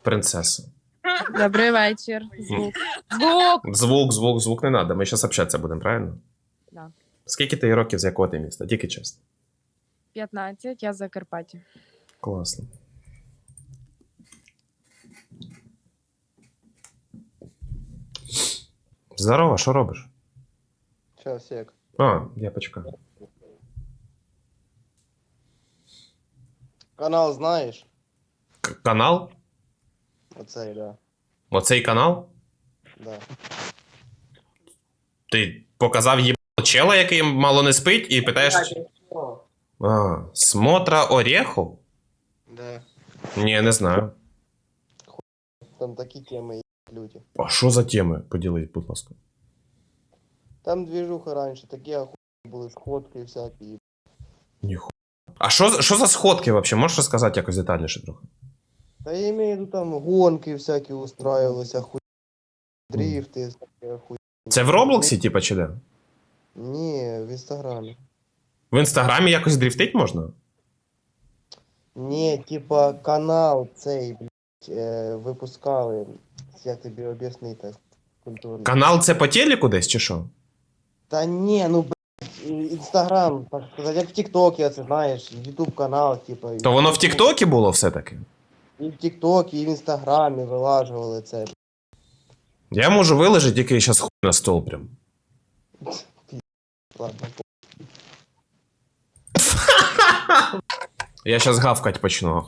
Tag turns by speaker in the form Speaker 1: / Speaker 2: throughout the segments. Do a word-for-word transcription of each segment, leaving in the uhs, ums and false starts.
Speaker 1: принцеса.
Speaker 2: Добрий вечір. Звук. Звук!
Speaker 1: Звук, звук, звук не треба. Ми зараз общатися будемо, правильно?
Speaker 2: Да.
Speaker 1: Скільки ти років, з якого ти міста? Тільки чесно.
Speaker 2: п'ятнадцять, я з Закарпаття.
Speaker 1: Класно. Здорово, що робиш?
Speaker 3: Щас, як.
Speaker 1: А, я почекаю.
Speaker 3: Канал знаєш?
Speaker 1: К- канал?
Speaker 3: Оцей, да.
Speaker 1: Оцей канал?
Speaker 3: Да.
Speaker 1: Ти показав їбало чела, який мало не спить, і питаєш... А, смотра орехов?
Speaker 3: Да.
Speaker 1: Ні, не знаю.
Speaker 3: Там такі теми є, люди.
Speaker 1: А що за теми? Поділись, будь ласка.
Speaker 3: Там движуха раніше, такі охуєнні були сходки всякі.
Speaker 1: Ніхуя. А що, що за сходки взагалі? Можеш розказати якось детальніше трохи?
Speaker 3: Та я имею в виду, там гонки всякі устраивались, охуєнні. Дрифти, всякі охуєнні.
Speaker 1: Це в Роблоксі, типа, чи де?
Speaker 3: Ні, в інстаграмі.
Speaker 1: В інстаграмі якось дрифтить можна?
Speaker 3: Ні, типа канал цей, блядь, е, випускали. Як тобі об'яснити культурно.
Speaker 1: Канал це по телеку десь, чи що?
Speaker 3: Та ні, ну блядь, інстаграм, так сказати, як в Тіктокі, це знаєш, ютуб канал, типа.
Speaker 1: То воно в Тіктокі було все-таки?
Speaker 3: І в Тіктокі, і в інстаграмі вилажували це.
Speaker 1: Я можу виложити тільки зараз хуй на стол прям.
Speaker 3: Ладно.
Speaker 1: Я зараз гавкать почну.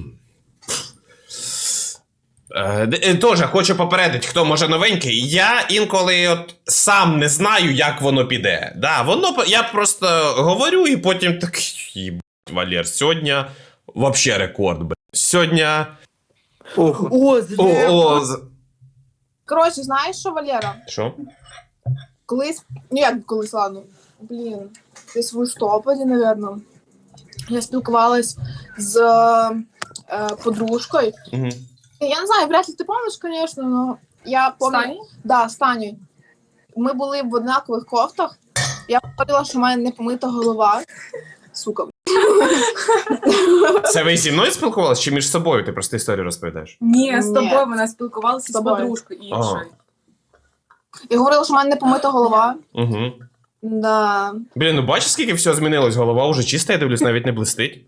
Speaker 1: Е, е, Тоже хочу попередити, хто може новенький. Я інколи от сам не знаю, як воно піде. Да, воно, по- я просто говорю і потім так, їбать, Валер, сьогодні вообще рекорд, блядь. Сьогодні...
Speaker 4: О,
Speaker 1: О, о, з-
Speaker 4: Коротше, знаєш що, Валера?
Speaker 1: Що?
Speaker 4: Колись, ну як колись, ладно, блін, десь в листопаді, напевно, я спілкувалась з е, подружкою.
Speaker 1: Угу.
Speaker 4: Я не знаю, вряд ли ти пам'ятаєш, звісно, але я пам'ятаю. Да, з Танею. Ми були в однакових кофтах. Я говорила, що в мене не помита голова. Сука.
Speaker 1: Це ви зі мною спілкувалися чи між собою? Ти просто історію розповідаєш?
Speaker 5: Ні, з
Speaker 4: Ні.
Speaker 5: тобою вона спілкувалася
Speaker 4: З
Speaker 5: з
Speaker 4: тобою.
Speaker 5: подружкою іншою.
Speaker 4: Я говорила, що в мене не помита голова.
Speaker 1: Угу.
Speaker 4: Да.
Speaker 1: Блін, ну бачиш, скільки всього змінилось? Голова вже чиста, я дивлюсь, навіть не блистить.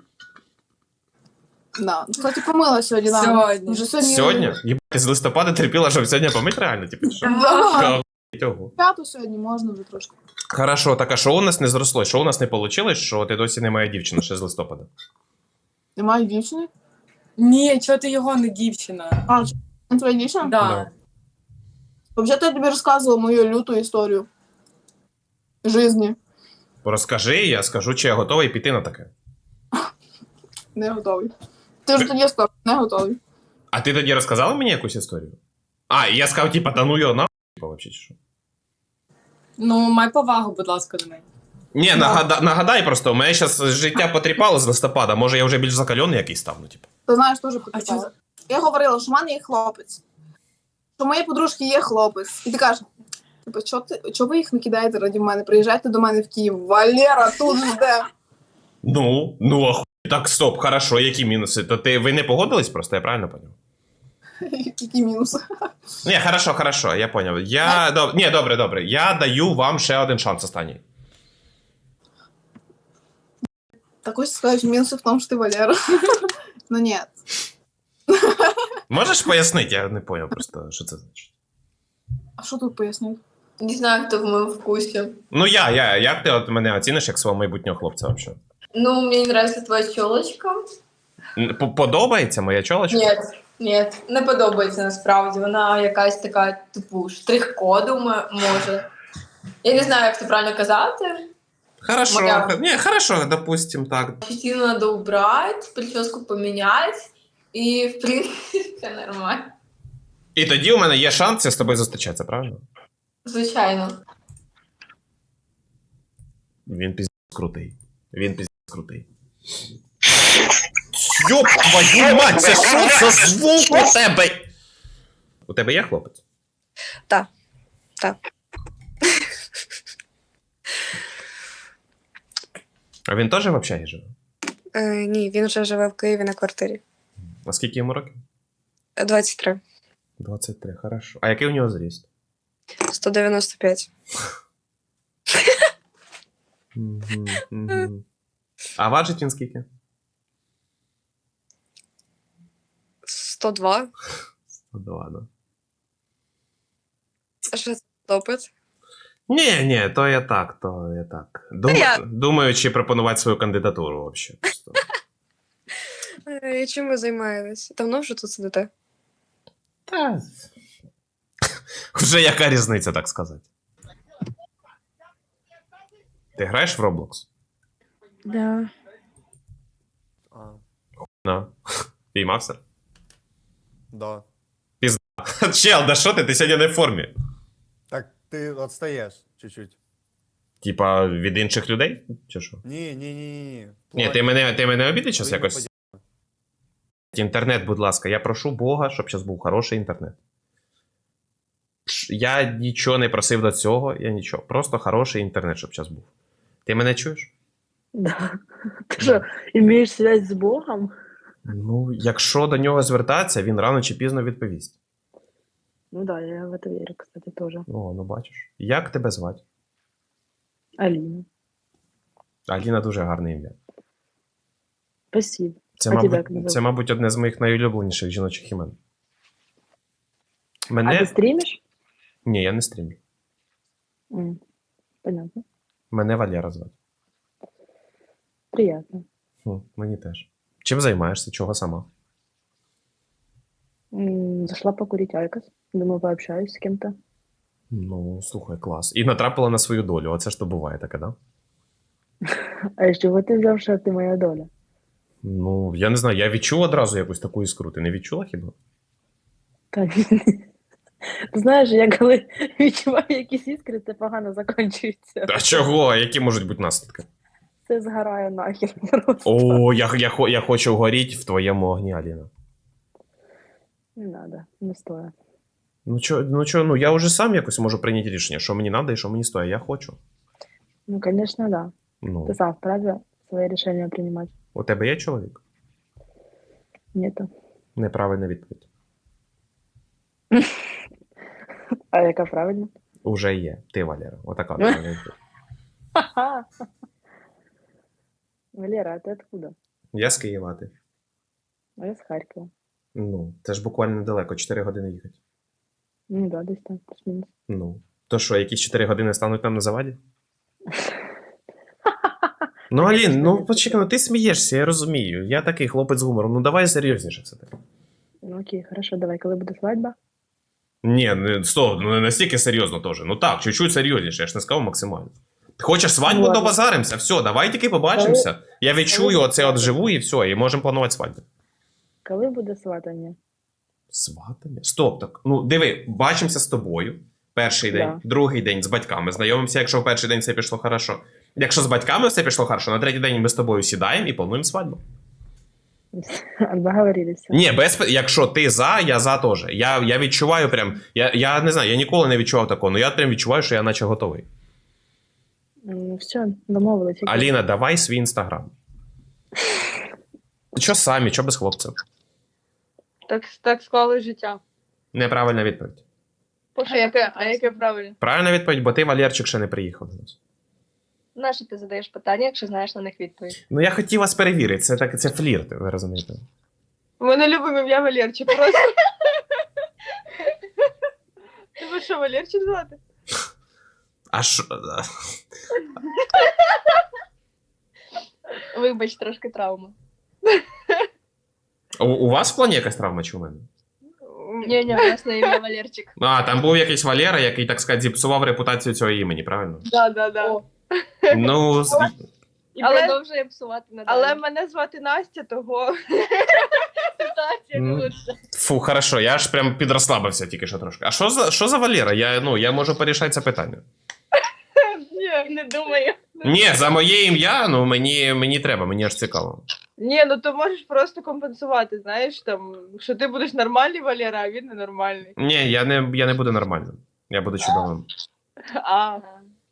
Speaker 4: Да. Кстати, помила сьогодні, да.
Speaker 5: Сьогодні.
Speaker 4: Вже сьогодні.
Speaker 1: Сьогодні? Єбать, ти з листопада терпіла, щоб сьогодні помить реально? Типу, що?
Speaker 4: Да.
Speaker 1: Охуєть, ого.
Speaker 4: П'яту сьогодні можна вже трошки.
Speaker 1: Хорошо, так а що у нас не зросло? Що у нас не вийшло, що ти досі не моя дівчина ще з листопада?
Speaker 4: Немає дівчини?
Speaker 5: Ні, чого ти його не дівчина?
Speaker 4: А, це твоя дівчина?
Speaker 5: Да.
Speaker 4: Взагалі, я тобі розказувала мою люту історію. Жизні.
Speaker 1: Розкажи, я скажу, чи я готовий піти на таке.
Speaker 4: Не готовий. Ти ж тоді сказав, не готовий.
Speaker 1: А ти тоді розказала мені якусь історію? А, і я сказав, типа, та ну його нахуй, типа, вообще, чи що?
Speaker 5: Ну, май повагу, будь ласка, до неї.
Speaker 1: Ні, нагада, нагадай просто, у мене зараз життя потріпало з листопада, може я вже більш закальоний якийсь став, ну, типу.
Speaker 4: Ти знаєш, теж
Speaker 5: А
Speaker 4: потрапила.
Speaker 5: що?
Speaker 4: Я говорила, що в мене є хлопець. Що в моєї подружки є хлопець. І ти кажеш, типу, чого ти, чого ви їх не кидаєте раді мене? Приїжджайте до мене в Київ. Валера тут жде.
Speaker 1: Ну, ну, охуй. Так, стоп, хорошо, які мінуси? То ти, ви не погодились просто, я правильно поняв?
Speaker 4: Які мінуси.
Speaker 1: Ні, хорошо, хорошо, я поняв. Я, доб... Ні, добре, добре, я даю вам ще один шанс останній.
Speaker 4: Так ось скажеш, мінуси в тому, що ти Валера. Ну ні.
Speaker 1: Можеш пояснити? Я не поняв просто, що це значить.
Speaker 4: А що тут пояснюють?
Speaker 6: Не знаю, кто в моем вкусе.
Speaker 1: Ну я, я, як ти от мене оціниш як свого майбутнього хлопця взагалі?
Speaker 6: Ну, мне не нравится твоя челочка.
Speaker 1: П- Подобається моя чолочка?
Speaker 6: Нет, нет, не подобається насправді. Вона якась така, типу, штрих-коду м- може. Я не знаю, як це правильно казати.
Speaker 1: Хорошо,
Speaker 6: Моя.
Speaker 1: ні, хорошо, допустим, так.
Speaker 6: Щетину надо убрать, прическу поменять. І, в принципі, все нормально.
Speaker 1: І тоді у мене є шанс з тобою зустрічатися, правильно?
Speaker 6: Звичайно.
Speaker 1: Він піздець крутий. Він піздець крутий. Йоп твою мать, це що за звук у тебе? У тебе є хлопець?
Speaker 7: Так. Так.
Speaker 1: А він теж в общагі живе?
Speaker 7: Е, ні, він вже живе в Києві на квартирі.
Speaker 1: А скільки йому років?
Speaker 7: двадцять три.
Speaker 1: двадцять три, хорошо. А який у нього зріст?
Speaker 7: сто дев'яносто п'ять.
Speaker 1: Мгм, мгм. А важить він скільки?
Speaker 7: сто два.
Speaker 1: сто два, да.
Speaker 7: А що це допит?
Speaker 1: Ні, ні, то я так, то я так. Дум...
Speaker 7: я-
Speaker 1: Думаю, чи пропонувати свою кандидатуру взагалі. Просто.
Speaker 7: Е, Чим ви займаєтесь? Давно вже тут сидите?
Speaker 1: Та... Вже яка різниця, так сказати. Ти граєш в Roblox?
Speaker 2: Да.
Speaker 8: А,
Speaker 1: На. Піймався?
Speaker 8: да.
Speaker 1: Чел, да що ти? Ти сьогодні не в формі.
Speaker 8: Так ти відстаєш чуть-чуть.
Speaker 1: Типа від інших людей? Чи що?
Speaker 8: Ні, ні, ні, ні.
Speaker 1: Ні, ти мене, ти мене обідиш зараз
Speaker 8: Ви не
Speaker 1: якось? Інтернет, будь ласка, я прошу Бога, щоб зараз був хороший інтернет. Ш- Я нічого не просив до цього, я нічого. Просто хороший інтернет, щоб зараз був. Ти мене чуєш?
Speaker 9: Да. Ты что, имеешь связь с Богом?
Speaker 1: Ну, якщо до нього звертатися, він рано чи пізно відповість.
Speaker 9: Ну да, я в это верю, кстати, тоже.
Speaker 1: О, ну бачиш. Як тебе звати?
Speaker 9: Алина.
Speaker 1: Аліна дуже гарне ім'я.
Speaker 9: Спасибо.
Speaker 1: Це,
Speaker 9: А тебе як
Speaker 1: мабуть,
Speaker 9: називають?
Speaker 1: це, мабуть, одне з моїх найулюбленіших жіночих імен.
Speaker 9: А
Speaker 1: Мене.
Speaker 9: ты стримишь?
Speaker 1: Ні, я не стрімлю.
Speaker 9: М, Понятно.
Speaker 1: Мене Валера звати.
Speaker 9: Приятно.
Speaker 1: Хм, мені теж. Чим займаєшся? Чого сама?
Speaker 9: М, Зашла покурить Айкос. Думаю, пообщаюсь с кем-то.
Speaker 1: Ну, слухай, клас. І натрапила на свою долю. Оце ж то буває таке, да?
Speaker 9: А из чего ты взял, что ты моя доля?
Speaker 1: Ну, я не знаю, я відчув одразу якусь таку іскру. Ти не відчула хіба?
Speaker 9: Та ні. Ти знаєш, я коли відчуваю якісь іскри, це погано закінчується.
Speaker 1: А чого? Які можуть бути наслідки?
Speaker 9: Це згорає нахер просто.
Speaker 1: О, я, я, хо- я хочу горіти в твоєму огні, Аліна.
Speaker 9: Не надо, не стоїть.
Speaker 1: Ну чо, ну чо, ну я вже сам якось можу прийняти рішення, що мені треба і що мені стоїть. Я хочу.
Speaker 9: Ну, конечно, да.
Speaker 1: Ну,
Speaker 9: Ты сам вправе свои решения принимать.
Speaker 1: у тебе є чоловік?
Speaker 9: Нету.
Speaker 1: Неправильна відповідь.
Speaker 9: А яка правильно?
Speaker 1: Уже є. Ти, Валера. Отака правильна відповідь.
Speaker 9: Ха-ха. Валера, а ты откуда?
Speaker 1: Я з Києва, а ти?
Speaker 9: А я с Харькова.
Speaker 1: Ну, це ж буквально недалеко, чотири години їхати.
Speaker 9: Ну да, десь там, плюс-мінус.
Speaker 1: Ну. То що, якісь чотири години стануть нам на заваді? Ну, Алін, ну почекай, ну ти смієшся, я розумію. Я такий хлопець з гумором. Ну давай серйозніше все таки.
Speaker 9: Ну окей, хорошо, давай, коли буде свадьба?
Speaker 1: Ні, не, стоп, ну не настільки серйозно теж. Ну так, чуть-чуть серйозніше, я ж не сказав максимально. Ти хочеш свадьбу,
Speaker 9: Ладно.
Speaker 1: добазаримося, все, давай тільки побачимося. Я відчую оце от живу і все, і можемо планувати свадьбу.
Speaker 9: Коли буде сватання?
Speaker 1: Сватання? Стоп, так. Ну, диви, бачимося з тобою. Перший день,
Speaker 9: Да.
Speaker 1: другий день з батьками. Знайомимося, якщо в перший день все пішло хорошо. Якщо з батьками все пішло хорошо, на третій день ми з тобою сідаємо і плануємо свадьбу.
Speaker 9: Договорились.
Speaker 1: Ні, без п- якщо ти за, я за теж. Я, я відчуваю прям. Я, я не знаю, я ніколи не відчував такого, але я прям відчуваю, що я наче готовий.
Speaker 9: Ну все, домовились. окей.
Speaker 1: Аліна, давай свій інстаграм. Що самі, що без хлопців?
Speaker 5: Так, так склали життя.
Speaker 1: Неправильна відповідь.
Speaker 5: А яке, а яке правильно?
Speaker 1: Правильна відповідь, бо ти, Валерчик, ще не приїхав до нас.
Speaker 7: Нащо ти задаєш питання, якщо знаєш на них відповідь?
Speaker 1: Ну я хотів вас перевірити, це так, це флірт, ви розумієте.
Speaker 5: Ми не любимо ім'я Валерчик, просто. Тебе що, Валерчик звати?
Speaker 1: А що.
Speaker 7: Вибач, трошки травма.
Speaker 1: У, у вас в плані якась травма чи у мене?
Speaker 7: Ні, ні, власне ім'я Валерчик.
Speaker 1: А, там був якийсь Валера, який, так сказати, зіпсував репутацію цього імені, правильно?
Speaker 5: Да, да, да.
Speaker 7: О.
Speaker 1: Ну, з-
Speaker 7: І
Speaker 5: Але-
Speaker 7: продовжує псувати надалі.
Speaker 5: Але мене звати Настя, того ситуація
Speaker 1: Ну.
Speaker 5: не лучше.
Speaker 1: фу, хорошо, я ж прям підрослабився тільки що трошки. А що за, що за Валера? Я, ну, я можу порішати це питання.
Speaker 5: Ні, не думаю.
Speaker 1: Ні, за моє ім'я, ну, мені, мені треба, мені аж цікаво.
Speaker 5: Ні, ну то можеш просто компенсувати, знаєш, там, що ти будеш нормальний Валера, а він ненормальний.
Speaker 1: Ні, я не, я не буду нормальним. Я буду чудовим.
Speaker 5: А,